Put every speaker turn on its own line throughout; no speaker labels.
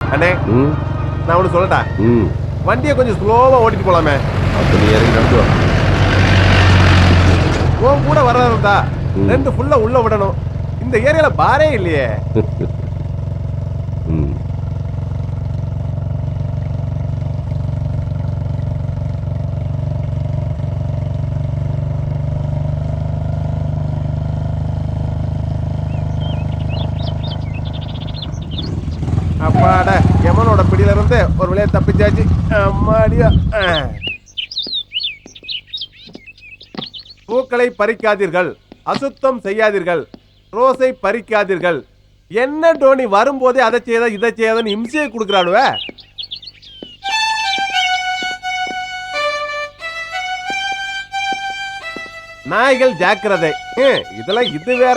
அண்ணே நான் ஒன்று சொல்லட்டா வண்டியை கொஞ்சம் ஸ்லோவா ஓட்டிட்டு போலாமே.
அப்ப நீ இறங்கி நடந்து வா.
உன் கூட வர்றதா 2 ஃபுல்லா உள்ள விடணும். இந்த ஏரியால பாரே இல்லையே. அப்பாடா எமனோட பிடியில இருந்து ஒரு வழியா தப்பிச்சாச்சு. அம்மாடியா. பூக்களை பறிக்காதீர்கள், அசுத்தம் செய்யாதீர்கள், ரோஸை பறிக்காதீர்கள். என்ன டோனி வரும்போதே அதை செய்யாத இதை செய்யாதன்னு இம்சையை கொடுக்குறானுவ. நாய்கள் ஜாக்கிரதை. இதெல்லாம் இது வேற.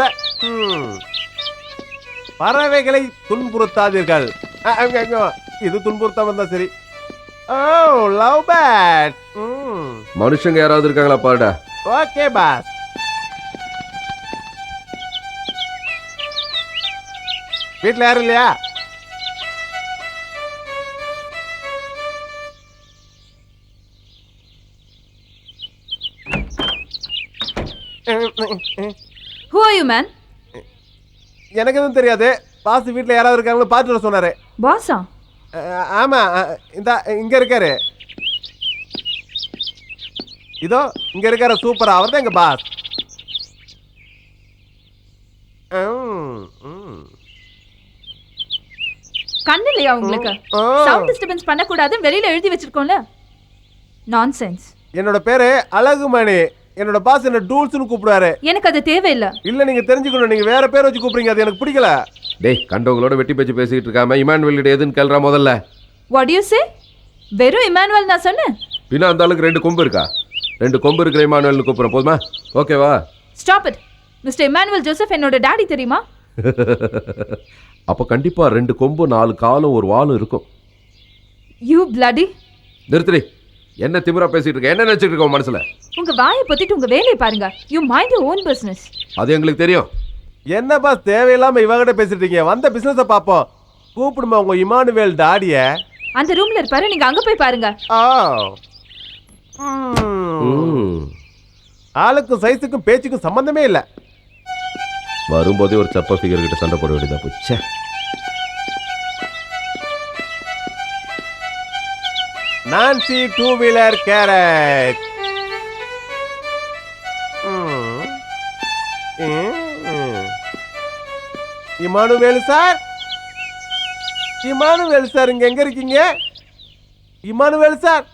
பறவைகளை துன்புறுத்தாதீர்கள். இது துன்புறுத்தாம இருந்தா சரி. Oh love bad.
மனுஷங்க யாராவது இருக்காங்களா பாருடா.
Okay boss. வீட்டுல யாரும் இல்லையா?
Who are you, man?
எனக்கு எதுவும் தெரியாது. பாஸ் வீட்டுல யாராவது இருக்காங்களோ பார்த்துட்டு வர சொன்னாரு.
பாஸா?
ஆமா, இங்க இருக்காரு. இதோ இங்க இருக்காரு. சூப்பரா, அவர் தான் எங்க பாஸ்.
கண்ணு இல்லையா உங்களுக்கு? சவுண்ட் டிஸ்டர்பன்ஸ் பண்ண கூடாது வெளியில எழுதி வச்சிருக்கோம்ல. நான்சென்ஸ்.
என்னோட பேரு அழகுமணி. என்னோட பாஸ் என்ன டூல்ஸ்னு கூப்பிடுவாரு.
எனக்கு அது தேவையில்லை.
இல்ல நீங்க தெரிஞ்சுக்கணும். நீங்க வேற பேர் வச்சு கூப்பிடுறீங்க, அது எனக்கு பிடிக்கல.
டேய் கண்டவங்களோட வெட்டி பேச்சு பேசிட்டு இருக்காம இமானுவேல் எதுன்னு கேள்றா முதல்ல.
What do you say? வெறும் இமானுவேல் நான் சொன்னேன்.
பின்ன அந்த ஆளுக்கு 2 கொம்பு இருக்கா? 2 கொம்பு இருக்கிற இமானுவேல்னு கூப்பிடுறேன் போதுமா? ஓகேவா?
Stop it. Mister Emmanuel Joseph என்னோட டாடி தெரியுமா?
அப்ப கண்டிப்பா 2 கொம்பு 4 காலும் ஒரு வாலும் இருக்கும்.
You bloody.
நிறுத்துடி. என்ன திமிரா பேசிட்டு இருக்க? என்ன நினைச்சிட்டு இருக்க மனசுல?
உங்க வாயை பொத்திட்டு உங்க வேலையை பாருங்க. You mind your own business.
அது எங்களுக்கு தெரியும். என்ன பாஸ் தேவையில்லாம இவகிட்ட பேசிட்டு இருக்கீங்க? வந்த பிசினஸை பாப்போம். கூப்பிடுமா உங்க இமானுவேல் டாடிய.
அந்த ரூம்ல இருப்பாரு, நீங்க அங்க போய் பாருங்க.
ஆளுக்கும் சைஸுக்கும் பேச்சுக்கும் சம்பந்தமே இல்ல.
வரும்போதே ஒரு சப்ப ஃபிகர் கிட்ட சண்டை போட வேண்டியதா போச்சு.
நான்சி 2 வீலர் கேரட். இமானுவேல் சார், இமானுவேல் சார் இங்க எங்க இருக்கீங்க? Emmanuel sir.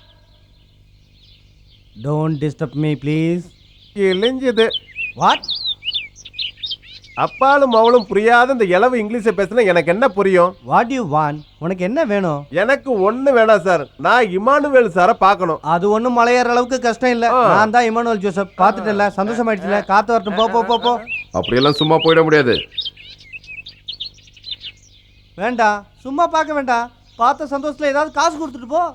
Don't disturb me please.
இழிஞ்சது.
What?
அப்பாலும் அவளும் புரியாத இந்த இளவு இங்கிலீஷை பேசினா எனக்கு என்ன புரியும்?
What do you want? உனக்கு என்ன வேணும்?
எனக்கு ஒண்ணு வேணாம் சார். நான் இமானுவேல் சாரை பார்க்கணும்.
அது ஒண்ணும் மலையேற அளவுக்கு கஷ்டம் இல்ல. நான் தான் இமானுவேல் ஜோசப். பார்த்துட்டல, சந்தோஷமாயிடுச்சுல. காத்து வரட்டும். போ போ போ போ.
அப்படியெல்லாம் சும்மா போயிட முடியாது.
வேண்டாம், சும்மா பார்க்க வேண்டாம். பார்த்த சந்தோஷத்துல ஏதாவது காசு கொடுத்துட்டு போ.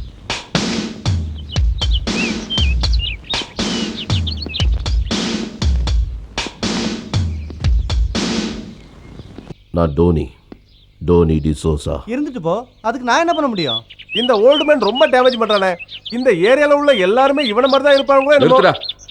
நான் டோனி டிசோசா.
இருந்துட்டு போ. அதுக்கு நான் என்ன பண்ண முடியும்?
இந்த ஓல்டு மேன் ரொம்ப டேமேஜ் பண்றானே. இந்த ஏரியால உள்ள எல்லாரும் இவன மாதிரி தான் இருப்பாங்களோ.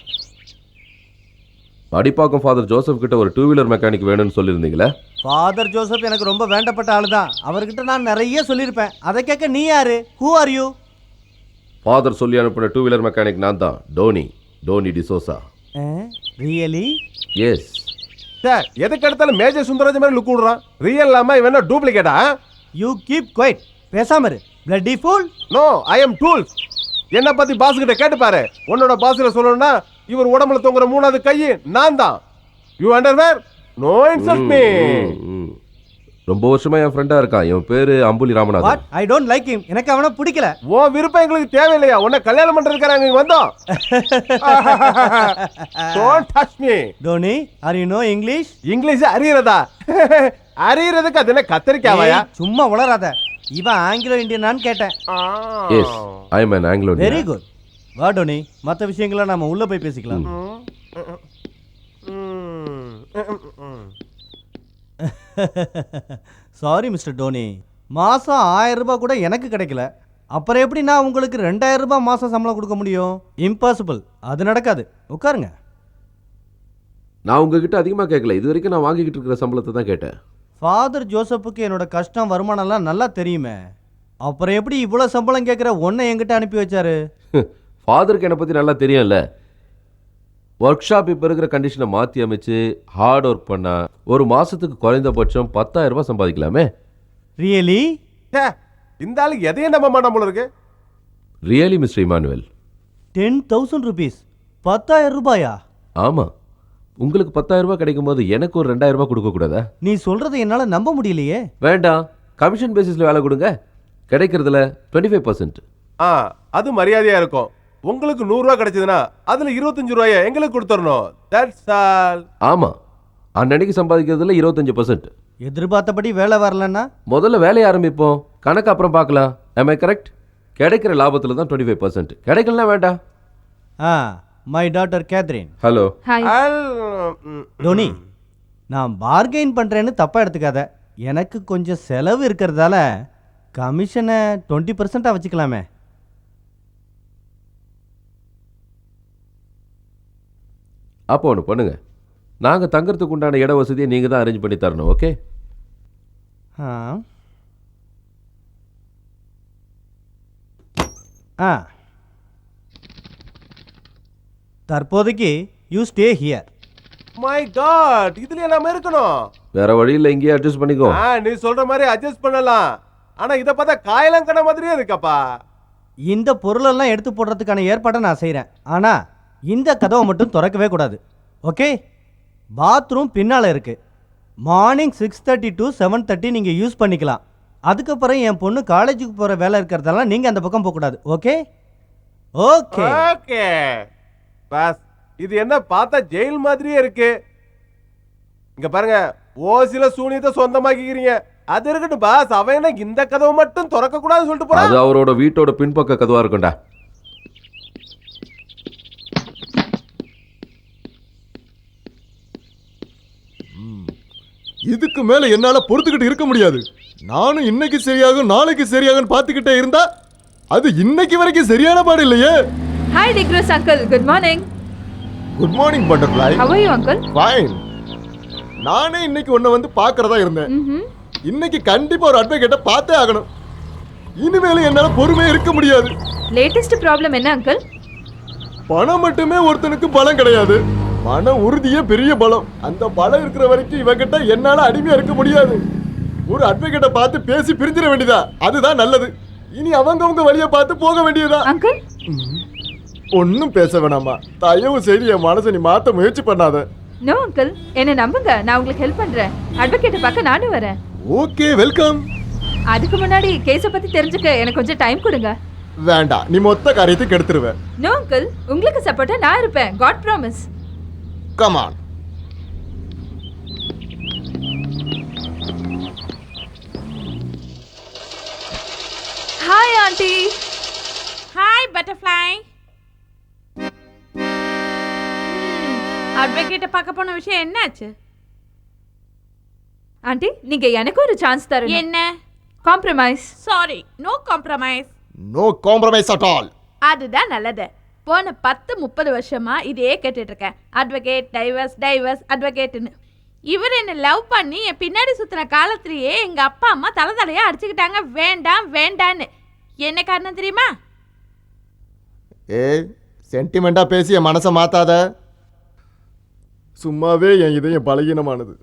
அடிப்பாக்கம் ஃபாதர் ஜோசப் கிட்ட ஒரு 2 வீலர் மெக்கானிக் வேணும்னு சொல்லியிருந்தீங்களே.
ஃபாதர் ஜோசப் எனக்கு ரொம்ப வேண்டப்பட்ட ஆளு தான். அவர்கிட்ட நான் நிறைய சொல்லியிருப்பேன். அதை கேட்க நீ யாரு? Who are you?
ஃபாதர் சொல்லி அனுப்பின 2 வீலர் மெக்கானிக் நான் தான். Tony D'Souza.
Really?
Yes
sir. எதுக்கு எடுத்தாலும் மேஜர் சுந்தரராஜ் மாதிரி லுக் விடுறான். ரியல் இல்லாம இவன் என்ன டூப்ளிகேட்டா?
You keep quiet. பேசாம இரு. bloody fool.
No, I am tools. என்ன பத்தி பாஸ் கிட்ட கேட்டு பாரு. உன்னோட பாஸ்ல சொல்லணும்னா இவர் உடம்புல தொங்குற 3வது கை நான் தான். You underwear? No insult me.
ரொம்ப வருஷமா என் ஃப்ரெண்டா இருக்கான். என் பேரு Ambuli Ramanathan.
What? I don't like him. எனக்கு அவனை பிடிக்கல.
ஓ விருப்பம் எங்களுக்கு தேவையில்லையா? உன்னை கல்யாணம் பண்றதுக்காக இங்க வந்தோம். Don't touch me.
Tony, are you know English?
English அறியறதா? அறியறதுக்கு அது என்ன கத்தரிக்காவையா?
சும்மா உளறாத. இவன் ஆங்கிலோ இந்தியனான்னு கேட்டேன்.
Yes, I am an Anglo Indian.
Very good. வா டோனி, மற்ற விஷயங்களை நாம உள்ள போய் பேசிக்கலாம். சாரி மிஸ்டர் டோனி, மாதம் 1000 ரூபாய் கூட எனக்கு கிடைக்கல. அப்புறம் எப்படி நான் உங்களுக்கு 2000 ரூபாய் மாதம் சம்பளம் கொடுக்க முடியும்? இம்பாசிபிள், அது நடக்காது. உட்காருங்க.
நான் உங்ககிட்ட அதிகமாக கேட்கல, இது வரைக்கும் நான் வாங்கிக்கிட்டு இருக்கிற சம்பளத்தை தான் கேட்டேன்.
ஃபாதர் ஜோசப்புக்கு என்னோட கஷ்டம் வருமானம்லாம் நல்லா தெரியுமே. அப்புறம் எப்படி இவ்வளோ சம்பளம் கேட்குற ஒன்றை என்கிட்ட அனுப்பி வச்சாரு?
ஃபாதருக்கு என்னை பற்றி நல்லா தெரியும்ல. ஒர்க் ஷாப் இப்போ இருக்கிற கண்டிஷனை மாற்றி அமைச்சு ஹார்ட் ஒர்க் பண்ணால் ஒரு மாதத்துக்கு குறைந்தபட்சம் 10,000 ரூபாய் சம்பாதிக்கலாமே.
ரியலி?
ச்சே, இந்த ஆளுக்கு எதையும் நம்ப மாட்டான் போல இருக்கு.
Really mister Emmanuel.
10,000 rupees, 10,000 ரூபாயா?
ஆமாம், உங்களுக்கு 10,000 ரூபாய் கிடைக்கும் போது எனக்கு ஒரு 2,000 ரூபாய் கொடுக்கக்கூடாதா?
நீ சொல்கிறத என்னால் நம்ப முடியலையே.
வேண்டாம், கமிஷன் பேசிஸில் வேலை கொடுங்க, கிடைக்கிறதுல 25%.
அது மரியாதையா இருக்கும். உங்களுக்கு 100 ரூபாய் கிடைச்சதுன்னா அதுல 25 ரூபாயை எங்களுக்கு கொடுத்துடணும். That's all.
ஆமாம், அன்னன்னைக்கு சம்பாதிக்கிறதுல 25%.
எதிர்பார்த்தபடி வேலை வரலன்னா
முதல்ல வேலையை ஆரம்பிப்போம், கணக்கு அப்புறம் பார்க்கலாம். am I correct? கிடைக்கிற லாபத்தில் தான் 25%. கிடைக்கலனா வேண்டாம்.
My daughter Catherine.
Hello.
Hi.
Tony, நான் பார்கெயின் பண்ணுறேன்னு தப்பாக எடுத்துக்காத. எனக்கு கொஞ்சம் செலவு இருக்கிறதால கமிஷனை 20% வச்சுக்கலாமே.
அப்போ ஒன்று பண்ணுங்க, நாங்கள் தங்கறதுக்கு உண்டான இட வசதியை நீங்கள் தான் அரேஞ்ச் பண்ணி தரணும். ஓகே?
தற்போதைக்கு you stay here.
My god, இதுல நாம இருக்கணும்.
வேற வழியில் இங்கேயே அட்ஜஸ்ட் பண்ணிக்கோ.
நீ சொல்ற மாதிரி அட்ஜஸ்ட் பண்ணலாம். ஆனா இத பார்த்தா காயலாம் கடை மாதிரியே இருக்கப்பா.
இந்த பொருளெல்லாம் எடுத்து போடுறதுக்கான ஏற்பாடை நான் செய்கிறேன். ஆனால் இந்த கதவை மட்டும் திறக்கவே கூடாது. ஓகே? பாத்ரூம் பின்னால் இருக்குது. மார்னிங் 6:30 to 7:30 நீங்கள் யூஸ் பண்ணிக்கலாம். அதுக்கப்புறம் என் பொண்ணு காலேஜுக்கு போகிற வேலை இருக்கிறதால நீங்கள் அந்த பக்கம் போகக்கூடாது. ஓகே? ஓகே
ஓகே பாஸ், இது என்ன பார்த்தா ஜெயில் மாதிரியே இருக்கு. இங்க பாருங்க, ஓசில சூனியத்தை சொந்தமாக்கிக்கிறீங்க. அது இருக்கட்டும் பாஸ், அவன் என்ன இந்த கதவை மட்டும் திறக்க கூடாதுன்னு சொல்லிட்டு போறான்.
அது அவரோட வீட்டோட பின்பக்க கதவா இருக்கும்டா.
இதுக்கு மேல என்னால பொறுத்துக்கிட்டு இருக்க முடியாது. நானும் இன்னைக்கு சரியாகும் நாளைக்கு சரியாகும் பார்த்துக்கிட்டே இருந்தா அது இன்னைக்கு வரைக்கும் சரியான பாடு இல்லையே.
ஹாய் டிக்ரோஸ் uncle, good morning.
Good morning butterfly.
How are you uncle?
Fine. நானே இன்னைக்கு உன்னை வந்து பார்க்கறதா இருந்தேன். இன்னைக்கு கண்டிப்பா ஒரு அட்வொகேட்டை பார்த்தே ஆகணும். இனிமேல என்னால பொறுமையா இருக்க முடியாது.
லேட்டஸ்ட் ப்ராப்ளம் என்ன அங்கிள்?
பணம் மட்டுமே ஒருத்தனுக்கு பலம் கிடையாது, மன உறுதியே பெரிய பலம். அந்த பலம் இருக்கிற வரைக்கும் இவங்கிட்ட என்னால அடிமையா இருக்க முடியாது. ஒரு அட்வொகேட்டை பார்த்து பேசி பிரிஞ்சிட வேண்டியதா, அதுதான் நல்லது. இனி அவங்கவங்க வழியை பார்த்து போக வேண்டியதா.
அங்கிள்
ஒன்னும் பேச வேணாமா, தயவு செய்து என் மனசை நீ மாத்த முயற்சி பண்ணாத.
நோ அங்கிள், என்ன நம்புங்க, நான் உங்களுக்கு ஹெல்ப் பண்றேன். அட்வொகேட்டை பார்க்க நானும் வரேன்.
Okay, welcome.
அதுக்கு முன்னாடி கேஸை பத்தி தெரிஞ்சுக்க எனக்கு கொஞ்சம் டைம் கொடுங்க.
வேண்டாம், நீ மொத்த காரியத்துக்கு எடுத்துருவேன்.
நோ அங்கிள், உங்களுக்கு சப்போர்ட்டா நான் இருப்பேன். God promise.
Come on.
Hi aunty.
Hi butterfly. அட்வொகேட்டை பார்க்க போன விஷயம் என்னாச்சு?
ஆண்டி, நீங்க எனக்கு ஒரு சான்ஸ் தரணும்.
என்ன?
Compromise.
Sorry, no compromise.
No compromise at all.
அதுதான் நல்லது. போன 10-30 வருஷமா இதே கேட்டுட்டு இருக்கேன். அட்வொகேட், டைவர்ஸ், டைவர்ஸ், அட்வொகேட்னு. இவர் என்ன லவ் பண்ணி என் பின்னாடி சுத்தின காலத்திலேயே எங்க அப்பா அம்மா தலையா அடிச்சுக்கிட்டாங்க, வேண்டாம் வேண்டான்னு. என்ன காரணம் தெரியுமா?
ஏய், சென்டிமெண்டா பேசி என் மனசை மாத்தாத. சும்மாவே என் இதயம் பலகீனமானது.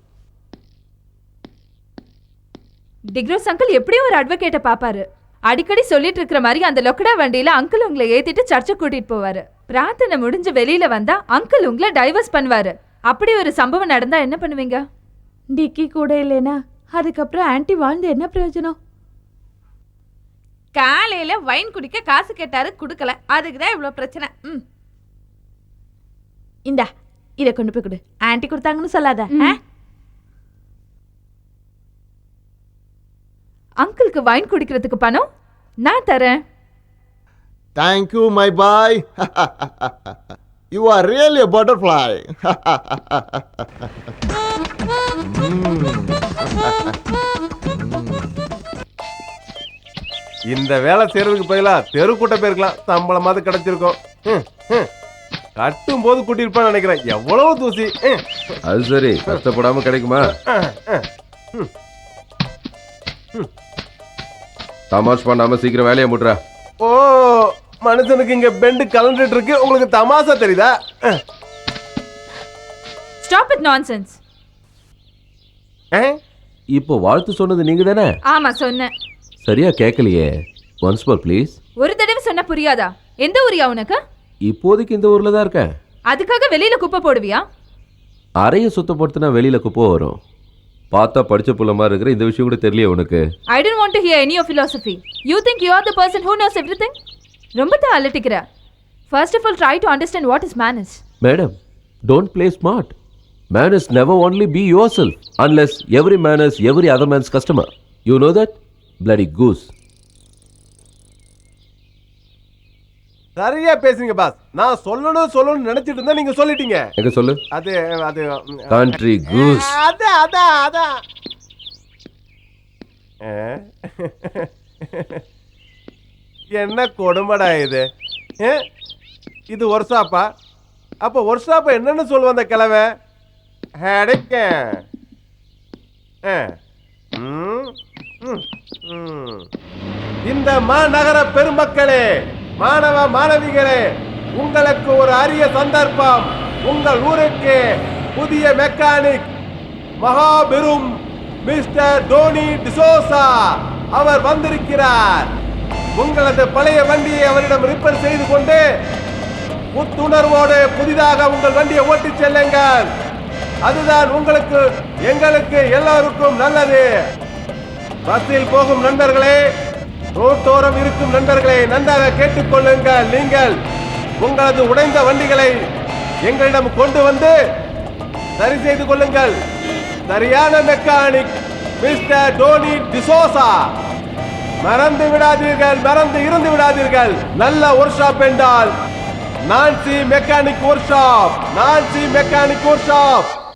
டிக்ரோஸ் அங்கிள் எப்படியும் ஒரு அட்வொகேட்டை பாப்பாரு. அடிக்கடி சொல்லிட்டு இருக்கிற மாதிரி அந்த லொக்கடா வண்டியில அங்கிள் உங்களை ஏத்திட்டு சர்ச்சை கூட்டிட்டு போவாரு. பிரார்த்தனை முடிஞ்சு வெளியில வந்தா அங்கிள் உங்களை டைவர்ஸ் பண்ணுவாரு. அப்படி ஒரு சம்பவம் நடந்தா என்ன பண்ணுவீங்க?
டிக்கி கூட இல்லைனா அதுக்கப்புறம் ஆன்ட்டி வாழ்ந்து என்ன பிரயோஜனம்? காலையில வைன் குடிக்க காசு கேட்டாரு, கொடுக்கல. அதுக்கு தான் இவ்வளோ பிரச்சனை. இந்தா இதை கொண்டு போய் கொடு. ஆன்ட்டி கொடுத்தாங்கன்னு சொல்லாத.
அங்கிளுக்கு வைன் குடிக்கிறதுக்கு பணம் நான் தரேன்.
Thank you, my boy. You are really a butterfly.
இந்த வேலை செய்யறதுக்கு பதிலா தெருக்கூட்ட போயிருக்கலாம், சம்பளமாவது கிடைச்சிருக்கும். கட்டும் போது கூட்டிருப்பான்னு நினைக்கிறேன். எவ்வளவு தூசி.
அது சரி, கஷ்டப்படாம கிடைக்குமா? தமாஷ் பண்ணாம சீக்கிரம் வேலையை முட்றா.
ஓ, மனுஷனுக்கு இங்க பெண்டு கலந்துட்டு இருக்கு, உங்களுக்கு தமாசா தெரியுதா?
Stop it nonsense.
இப்போ வாழ்த்து சொன்னது நீங்க தானே?
ஆமா சொன்னேன்.
சரியா கேட்கலையே. Once more please.
ஒரு தடவை சொன்னா புரியாதா? எந்த ஊரியா உனக்கு?
இப்போதைக்கு இந்த ஊர்ல தான் இருக்கேன்.
அதுக்காக வெளியில குப்பை போடுவியா?
அறைய சுத்தப்படுத்தினா வெளியில குப்பை வரும். பார்த்தா படிச்ச புள்ள மாதிரி இருக்கிற, இந்த விஷயம் கூட தெரியலையே உனக்கு?
I don't want to hear any of philosophy. You think you are the person who knows everything? ரொம்ப தான் அலட்டிக்கிற. First of all, try to understand what is manners.
Madam, don't play smart. Manners never only be yourself, unless every man is every other man's customer. You know that? Bloody goose.
சரியா பேசுங்க pass. நான் சொல்லணும்னு நினைச்சிட்டு இருந்தா நீங்க சொல்லிட்டீங்க.
எங்க சொல்லு.
அது
Country goose.
அதான். என்ன கொடுமடா இது. இது ஒர்க் ஷாப்பா? அப்ப ஒர்க் ஷாப்ப என்னன்னு சொல்லுவ அந்த கிழமை? அடைக்க. இந்த மாநகர பெருமக்களே, மாணவ மாணவிகளே, உங்களுக்கு ஒரு அரிய சந்தர்ப்பம். உங்கள் ஊருக்கு புதிய மெக்கானிக் மகாபெரும் மிஸ்டர் டோனி டிசோசா அவர் வந்திருக்கிறார். உங்களது பழைய வண்டியை அவரிடம் ரிப்பேர் செய்து கொண்டு புத்துணர்வோடு புதிதாக உங்கள் வண்டியை ஓட்டிச் செல்லுங்கள். அதுதான் உங்களுக்கு, எங்களுக்கு, எல்லோருக்கும் நல்லது. பஸ்ஸில் போகும் நண்பர்களே, ரோட்டோரம் இருக்கும் நண்பர்களே, நன்றாக கேட்டுக்கொள்ளுங்கள். நீங்கள் உங்களது உடைந்த வண்டிகளை எங்களிடம் கொண்டு வந்து சரி செய்து கொள்ளுங்கள். சரியான மெக்கானிக் மிஸ்டர் டோனி டிசோசா. மறந்து விடாதீர்கள், மறந்து இருந்து விடாதீர்கள். நல்ல ஒர்க் ஷாப் என்றால் Nancy mechanic workshop. Nancy mechanic work shop.